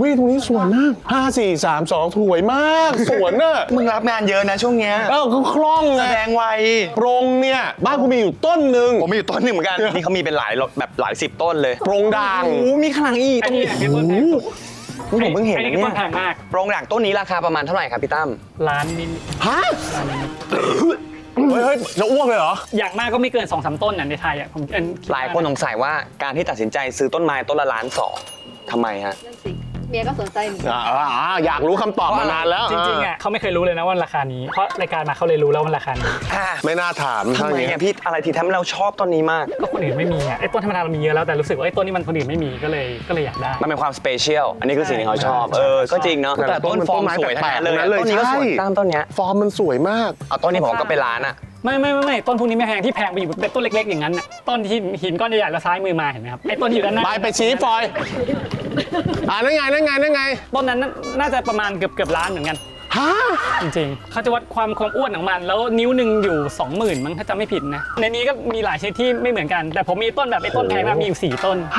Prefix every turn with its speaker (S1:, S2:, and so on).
S1: ยตรงนี้สวยมาก5 4 3 2สวยมากสวนน่ะ
S2: มึงรับงานเยอะนะช่วงเนี้ย
S1: ก็คล่องไง
S2: แสดงไว
S1: โปรงเนี่ยบ้านกูมีอยู่ต้นหนึ่ง
S2: ผมมีอยู่ต้นหนึ่งเหมือนกันนี่เขามีเป็นหลายแบบหลาย10 ต้นเลย
S1: โปรงด่าง
S2: โอ้โหมีข้างหลังอีก
S3: ไอ้นี่คือต้นแพงสุด
S2: ผมเพิ่งเห็น
S3: ไอ้
S2: นะ
S3: นี่คือ
S2: เนี่
S3: ต้นแพ
S2: ย
S3: งมาก
S2: โปรงด่างต้นนี้ราคาประมาณเท่าไหร่ครับพี่ตั้ม
S3: ล้านนิด
S1: ฮะเฮ้ยจะอ้วกเลยเหรอ
S3: อย่างมากก็ไม่เกิน 2-3 ต้นในไทยอ่ะผมคิด
S2: หลายคนสงสัยว่าการที่ตัดสินใจซื้อต้นไม้ต้นละ1.2 ล้านทำไมฮะ
S4: นั่นสิเมียก็สนใจเหมือนกัน
S1: อยากรู้คำตอบมานานแล้ว
S3: จริงๆอ่ะเขาไม่เคยรู้เลยนะว่าราคานี้เพราะรายการมาเขาเลยรู้แล้วว่าราคานี้
S1: ไม่น่าถาม
S2: ทำ
S1: ถ้าอ
S2: ไม
S1: ย่างเงี้
S2: อ่ะ
S1: ย
S2: พี่อะไรที่ทำให้เราชอบต้นนี้มาก
S3: ก็คนอื่นไม่มีอ่ะไอ้ต้นธรรมดาเรามีเยอะแล้วแต่รู้สึกว่าไอ้ต้นนี้มันคนอื่นไม่มีก็เลยอยากได้
S2: มันเป็นความสเปเชียลอันนี้คือสิ่งที่เขาชอบก็จริงเนาะแต่ต้นฟอร์มสวยทั้งนั้นเลยต้นนี้ก็สวยตั้มต้นเนี้ย
S1: ฟอร์มมันสวยมาก
S2: เอาต้นนี้ผมก็เป็นล้านอ่ะ
S3: ไม่ต้นพวกนี้ไม่แพงที่แพงไปอยู่เป็นต้นเล็กๆอย่างนั้นน่ะต้นที่หินก้อนใหญ่ๆแล้วซ้ายมือมาเห็นไหมครับไอ้ต้นที่อยู่ด้านหน้า
S1: ไปชี้ฟอยนั่นไง
S3: ต้นนั้นน่าจะประมาณเกือบล้านเหมือนกัน
S1: ฮะ
S3: จริงๆเขาจะวัดความอ้วนของมันแล้วนิ้วหนึ่งอยู่ 20,000มั้งถ้าจำไม่ผิดนะในนี้ก็มีหลายชนิดที่ไม่เหมือนกันแต่ผมมีต้นแบบไอ้ต้นแพงมากมีอยู่4 ต้น